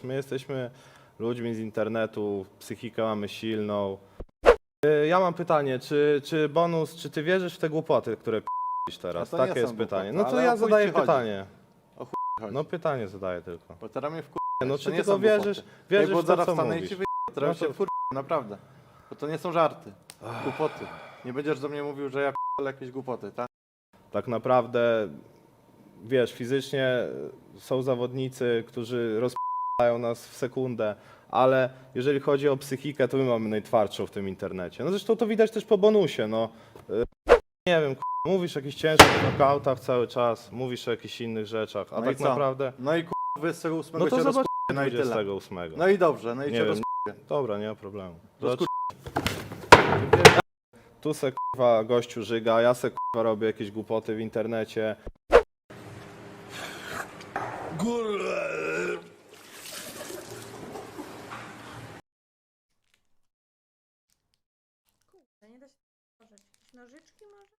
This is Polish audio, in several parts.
My jesteśmy ludźmi z internetu, psychikę mamy silną. Ja mam pytanie, czy Bonus, czy ty wierzysz w te głupoty, które p***isz teraz? Ja to nie Takie są jest pytanie. głupoty, No to ale ja o chuj zadaję ci chodzi? pytanie. O chuj chodzi. No pytanie zadaję tylko. Bo teraz mnie No to czy nie tylko są wierzysz, głupoty. wierzysz Bo w to, zaraz co wstanę i mówisz? ci wyjdę, No teraz to- się naprawdę. Bo to nie są żarty, głupoty. Nie będziesz do mnie mówił, że ja p***le jakieś głupoty, tak? Tak naprawdę, wiesz, fizycznie są zawodnicy, którzy rozp***ają nas w sekundę, ale jeżeli chodzi o psychikę, to my mamy najtwardszą w tym internecie. No zresztą to widać też po Bonusie, no. Nie wiem, mówisz o jakichś ciężkich nokautach cały czas, mówisz o jakichś innych rzeczach, a No i tak co? naprawdę... No i 28 No to się zobacz no i tyle. 28. No i dobrze, no i Nie cię wiem. rozp***. Dobra, nie ma problemu. Rozkur- Tu se k***wa gościu żyga, ja se k***wa robię jakieś głupoty w internecie. Kurde, nie da się otworzyć. Jakieś nożyczki może?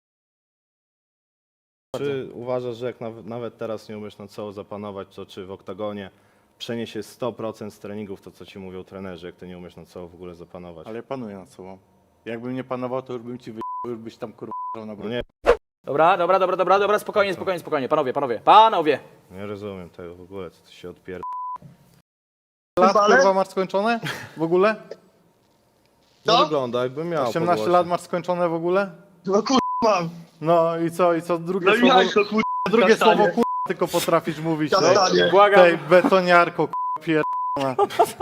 Czy uważasz, że jak nawet teraz nie umiesz nad sobą zapanować, to czy w oktagonie przeniesie 100% z treningów to, co ci mówią trenerzy, jak ty nie umiesz nad sobą w ogóle zapanować? Ale ja panuję nad sobą. Jakbym nie panował, to już bym ci już byś tam kurwa na No broń. nie, Dobra, spokojnie, panowie. nie rozumiem tego w ogóle, co ty się odpier... Lat kurwa masz skończone? W ogóle? No wygląda jakbym miał 18 pogłosie. lat masz skończone w ogóle? No kurwa mam. No i co drugie No i słowo, jak to kurwa drugie kastanie? słowo kurwa tylko potrafisz mówić. Kastanie. Błagam. Tej betoniarko kurwa pierdolona.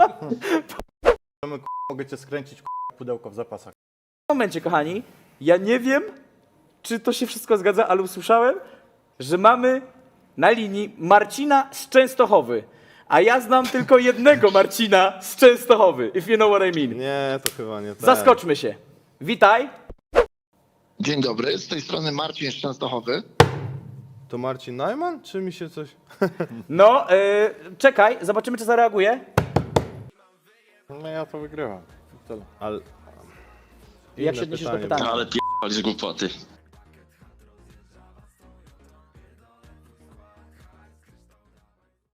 Mogę cię skręcić kurwa pudełko w zapasach. W momencie, kochani, ja nie wiem, czy to się wszystko zgadza, ale usłyszałem, że mamy na linii Marcina z Częstochowy. A ja znam tylko jednego Marcina z Częstochowy, if you know what I mean. Nie, to chyba nie tak. Zaskoczmy się. Witaj. Dzień dobry, z tej strony Marcin z Częstochowy. To Marcin Najman, czy mi się coś... No, czekaj, zobaczymy, czy zareaguje. No ja to wygrywam. Tyle. Ale... Jak Inne się odniesiesz do pytanie pytania? było. Ale p***ali z głupoty.